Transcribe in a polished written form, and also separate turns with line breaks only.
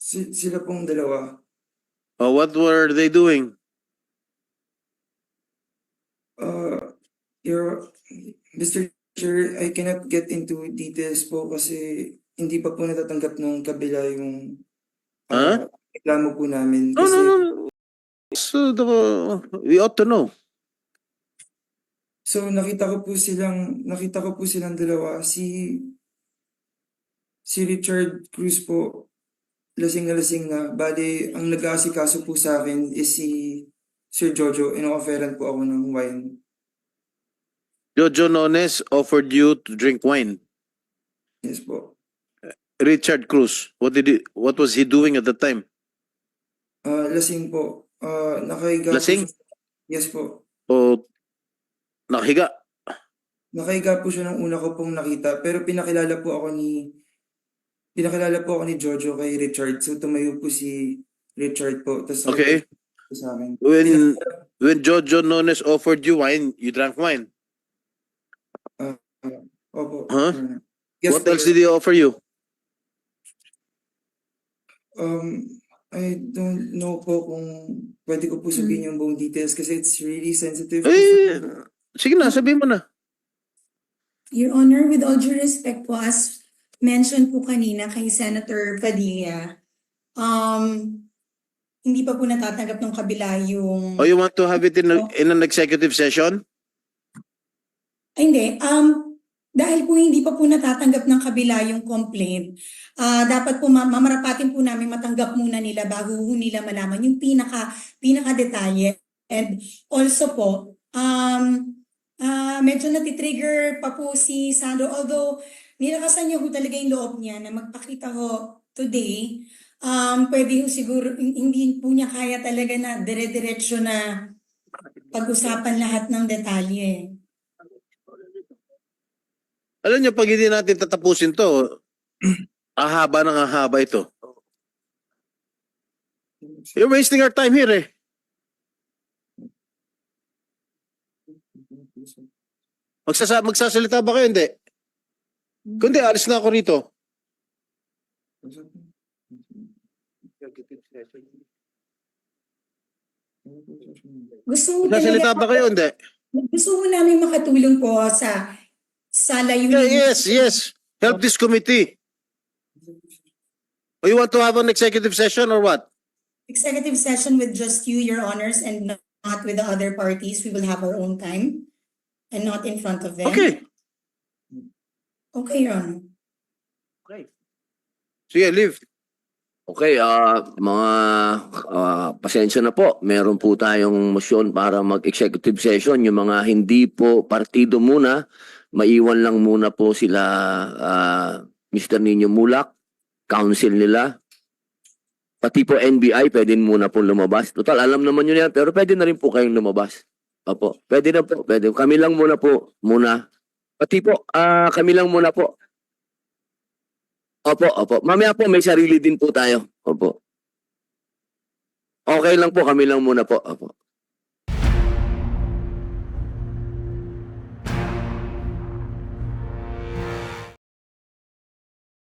Sila pong dalawa.
What were they doing?
Your Mr. Chair, I cannot get into details po kasi hindi pa po natatanggap ng kabila yung reklamo po namin.
No,
Kasi,
no, no. So, we ought to know.
so nakita ko po silang dalawa. Si Richard Cruz po, lasing na. Bali, ang nag-aasikaso po sa akin is si Sir Jojo. Ino-offeran po ako ng wine.
Jojo Nones offered you to drink wine.
Yes po.
Richard Cruz, what was he doing at the time?
Lasing po. Nakahiga
Lasing?
po siya. Yes po.
O nakahiga?
Nakahiga po siya nung una ko pong nakita. Pero pinakilala po ako ni Jojo kay Richard. So tumayo po si Richard po. Tas
Okay.
sa akin.
When Jojo Nones offered you wine, you drank wine.
Opo.
Huh?
Yes,
What
po.
else did he offer you?
I don't know po kung pwede ko po sabihin yung buong details kasi it's really sensitive po.
Sige na, sabihin mo na.
Your Honor, with all due respect po, as mentioned po kanina kay Senator Padilla, hindi pa po natatanggap ng kabila yung...
You want to have it in an executive session?
Ay, hindi. Dahil po hindi pa po natatanggap ng kabila yung complaint, dapat po mamarapatin po namin matanggap muna nila bago nila malaman yung pinaka detalye. And also po, medyo natitrigger pa po si Sandro, although nilakasan niya po talaga yung loob niya na magpakita ho today, pwede ho siguro, hindi po niya kaya talaga na dire-diretso na pag-usapan lahat ng detalye.
Alam niyo, pag hindi natin tatapusin to, ahaba ng ahaba ito. You're wasting our time here eh. Magsasalita ba kayo? Hindi. Kundi, alis na ako rito. Magsasalita ba kayo? Hindi.
Gusto mo namin makatulong po sa layunin.
Yes. Help this committee. You want to have an executive session or what?
Executive session with just you, Your Honors, and not with the other parties. We will have our own time and not in front of them.
Okay.
Okay, Your Honor.
Sige, leave.
Okay, mga pasensya na po. Meron po tayong motion para mag-executive session. Yung mga hindi po partido muna, maiwan lang muna po sila Mr. Nino Mulak, council nila. Pati po NBI, pwede muna po lumabas. Total, alam naman nyo yan, pero pwede na rin po kayong lumabas. Opo, pwede na po. Pwede. Kami lang muna po. Pati po, kami lang muna po. Opo. Mamaya po, may sarili din po tayo. Opo. Okay lang po, kami lang muna po. Opo.